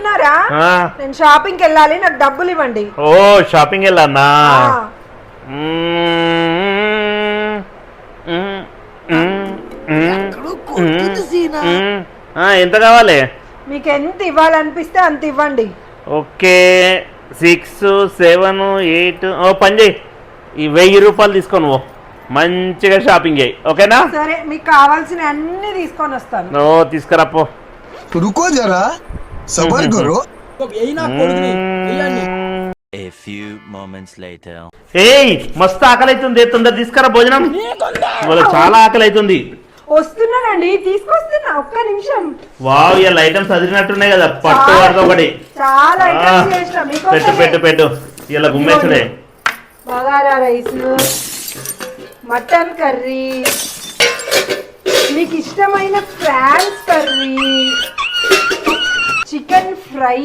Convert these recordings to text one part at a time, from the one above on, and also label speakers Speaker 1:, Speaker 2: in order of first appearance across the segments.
Speaker 1: ఉన్నారా? నేను షాపింగ్ కి వెళ్ళాలి, నాకు డబ్బులు ఇవ్వండి.
Speaker 2: ఓ షాపింగ్ వెళ్ళానా? ఎంత కావాలి?
Speaker 1: మీకు ఎంత ఇవ్వాలనిపిస్తే అంత ఇవ్వండి.
Speaker 2: ఓకే 6, 7, 8 ఓ పని చేయి, ఈ 1000 రూపాయలు తీసుకొని పో, మంచిగా షాపింగ్ చేయి. ఓకేనా?
Speaker 1: సరే, మీకు కావాల్సిన అన్ని తీసుకొని వస్తాను.
Speaker 2: ఓ తీసుకురా పో.
Speaker 3: रुको जरा सबर करो.
Speaker 4: A few moments later.
Speaker 2: ఏయ్ మస్తు ఆకలి అవుతుంది, తొందర తీసుకురా భోజనం, ఇవాళ చాలా ఆకలి అవుతుంది.
Speaker 1: వస్తున్నానండి, తీసుకొస్తున్నా, ఒక్క నిమిషం.
Speaker 2: వావ్ ఇలా ఐటమ్స్ చదివినట్టున్నాయి కదా, పట్టు వరకు ఒకటి.
Speaker 1: చాలా ఐటమ్స్ చేసిన మీకు.
Speaker 2: పెట్టు పెట్టు పెట్టు, ఇలా గుమ్మేసుడే.
Speaker 1: బగారా రైస్, మటన్ కర్రీ, మీకు ఇష్టమైన ఫ్రాన్స్ కర్రీ, చికెన్ ఫ్రై.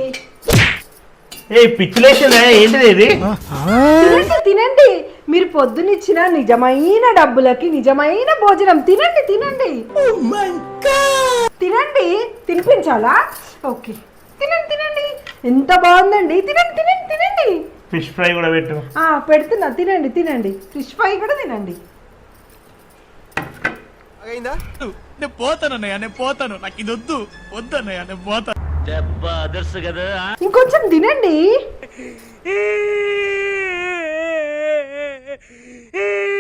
Speaker 2: ఏ పిచ్చిలేసిందా ఏంటిది ఇది?
Speaker 1: తినండి తినండి, మీరు పొద్దునిచ్చిన నిజమైన డబ్బులకి నిజమైన భోజనం. తినండి తినండి తినండి. తినిపించాలా? ఓకే, తినండి తినండి. ఎంత బాగుందండి, తినండి తినండి తినండి.
Speaker 2: ఫిష్ ఫ్రై కూడా పెట్టు.
Speaker 1: పెడుతున్నా, తినండి తినండి. ఫిష్ ఫ్రై కూడా తినండి.
Speaker 5: నేను పోతానన్నయ్య, నేను పోతాను, నాకు ఇది వద్దు, వద్దన్నయ్య, నేను పోతాను.
Speaker 1: ఇంకొంచెం తినండి.